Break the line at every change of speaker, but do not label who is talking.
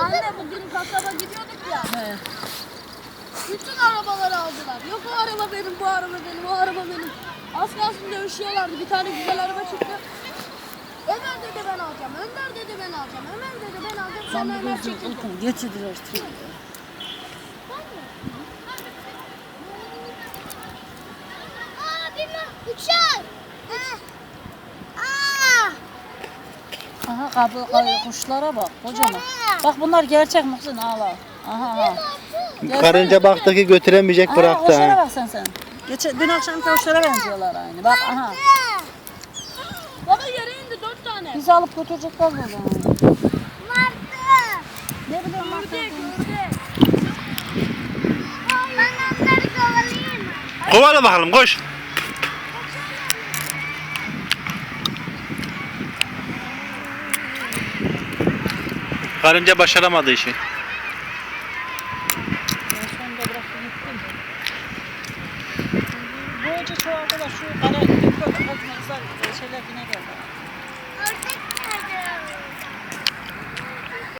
Anne bugün kasaba gidiyorduk ya.
He.
Bütün arabaları aldılar. Yok o araba benim, bu araba benim, o araba benim. Az kalsın dövüşüyorlardı. Bir tane güzel araba çıktı. Ömer dedi ben alacağım. Önder dedi ben alacağım. Ömer dedi ben alacağım. Sonra Ömer çekildi.
Getirdiler.
Uçak.
Aha kuşlara bak kocaman. Bak bunlar gerçek Muhsin ağla. Aha.
Karınca baktı ki götüremeyecek bıraktı.
Kuşlara
Ha.
bak sen. Dün akşam kuşlara benziyorlar aynı. Bak aha.
Baba yere indi 4 tane.
Bizi alıp götürecekler böyle.
Martı.
Ne bileyim bak.
Ördek, ördek.
Ben onları kovalayayım.
Kovala bakalım koş. Karınca başaramadı işi.
Sonunda bıraktım gittim. Böylece çoğaldılar şu kara köpek kaçmazlar şeyler yine geldi.